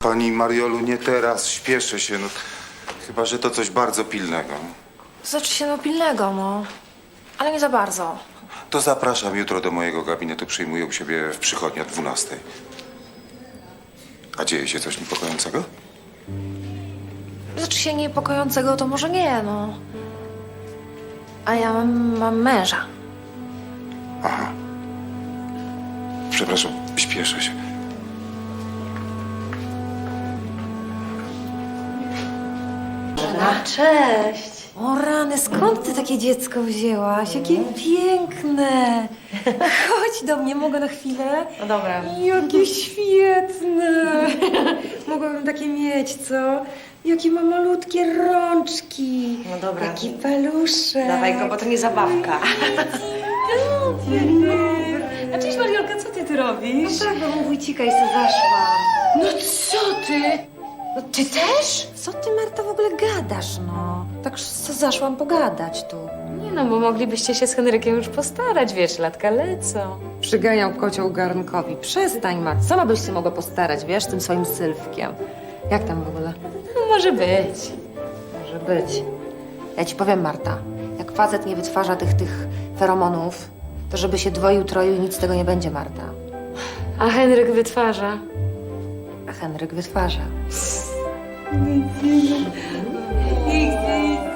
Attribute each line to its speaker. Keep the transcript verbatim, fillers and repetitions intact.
Speaker 1: Pani Mariolu, nie teraz, śpieszę się, no. Chyba że to coś bardzo pilnego.
Speaker 2: Znaczy się no pilnego, no. Ale nie za bardzo.
Speaker 1: To zapraszam jutro do mojego gabinetu, przyjmuję u siebie w przychodni o dwunastej. A dzieje się coś niepokojącego?
Speaker 2: Znaczy się niepokojącego, to może nie, no. A ja mam, mam męża.
Speaker 1: Aha. Przepraszam, śpieszę się.
Speaker 2: Żena? Cześć. O rany, skąd ty takie dziecko wzięłaś? Jakie piękne. Chodź do mnie, mogę na chwilę?
Speaker 3: No dobra.
Speaker 2: Jakie świetne. Mogłabym takie mieć, co? Jakie ma malutkie rączki.
Speaker 3: No dobra.
Speaker 2: Jaki paluszek.
Speaker 3: Dawaj go, bo to nie zabawka.
Speaker 2: A cześć Mariolka, co ty tu robisz?
Speaker 3: Tak, bo mu wójcika i se zaszłam.
Speaker 2: No co ty? No ty też? Co ty, Marta, w ogóle gadasz, no? Tak co zaszłam pogadać tu.
Speaker 3: Nie no, bo moglibyście się z Henrykiem już postarać, wiesz, latka lecą.
Speaker 4: Przyganiał kocioł garnkowi. Przestań, Mat. Sama byś się mogła postarać, wiesz, tym swoim Sylwkiem. Jak tam w ogóle?
Speaker 3: No może być.
Speaker 4: Może być. Ja ci powiem, Marta, jak facet nie wytwarza tych, tych feromonów, to żeby się dwoił, troił i nic z tego nie będzie, Marta.
Speaker 3: A Henryk wytwarza.
Speaker 4: A Henryk wytwarza.
Speaker 2: Nie chcę